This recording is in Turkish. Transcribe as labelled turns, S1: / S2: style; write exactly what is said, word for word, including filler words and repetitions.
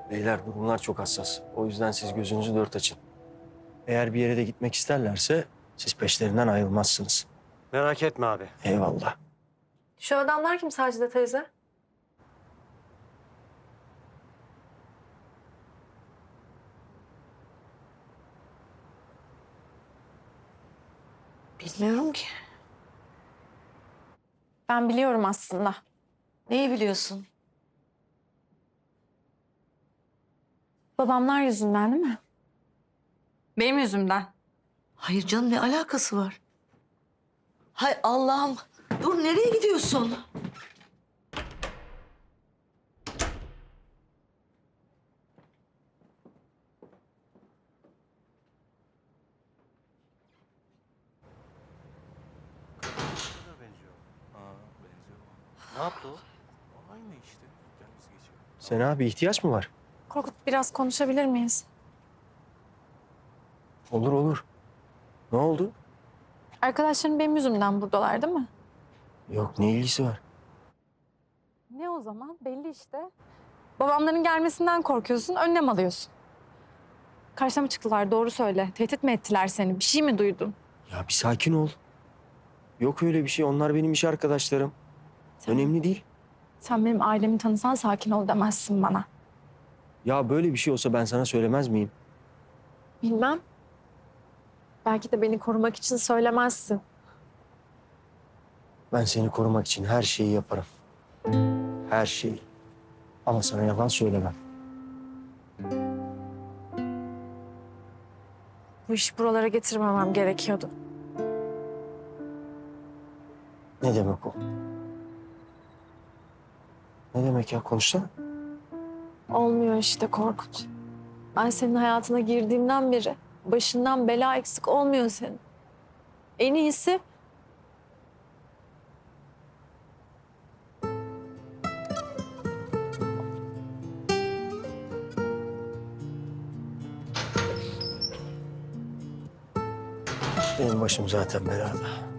S1: Beyler durumlar çok hassas. O yüzden siz gözünüzü dört açın. Eğer bir yere de gitmek isterlerse siz peşlerinden ayrılmazsınız.
S2: Merak etme abi.
S1: Eyvallah.
S3: Şu adamlar kim Sacide teyze?
S4: Bilmiyorum ki.
S3: Ben biliyorum aslında.
S4: Neyi biliyorsun?
S3: Babamlar yüzünden değil mi? Benim yüzümden.
S4: Hayır canım, ne alakası var? Hay Allah'ım. Dur, nereye gidiyorsun?
S2: Ne yaptı o? Aynı işte. Gel biz geçelim.
S1: Sen abi ihtiyaç mı var?
S3: Korkut biraz konuşabilir miyiz?
S1: Olur olur. Ne oldu?
S3: Arkadaşların benim yüzümden buradalar değil mi?
S1: Yok ne ilgisi var?
S3: Ne o zaman? Belli işte. Babamların gelmesinden korkuyorsun, önlem alıyorsun. Karşıma çıktılar, doğru söyle. Tehdit mi ettiler seni? Bir şey mi duydun?
S1: Ya bir sakin ol. Yok öyle bir şey. Onlar benim iş arkadaşlarım.
S3: Sen,
S1: Önemli değil.
S3: sen benim ailemi tanısan sakin ol demezsin bana.
S1: Ya böyle bir şey olsa ben sana söylemez miyim?
S3: Bilmem. Belki de beni korumak için söylemezsin.
S1: Ben seni korumak için her şeyi yaparım. Her şeyi. Ama sana yalan söylemem.
S3: Bu işi buralara getirmemem gerekiyordu.
S1: Ne demek o? Ne demek ya? Konuşsana.
S3: Olmuyor işte Korkut. Ben senin hayatına girdiğimden beri başından bela eksik olmuyor senin. En iyisi
S1: Benim başım zaten belada.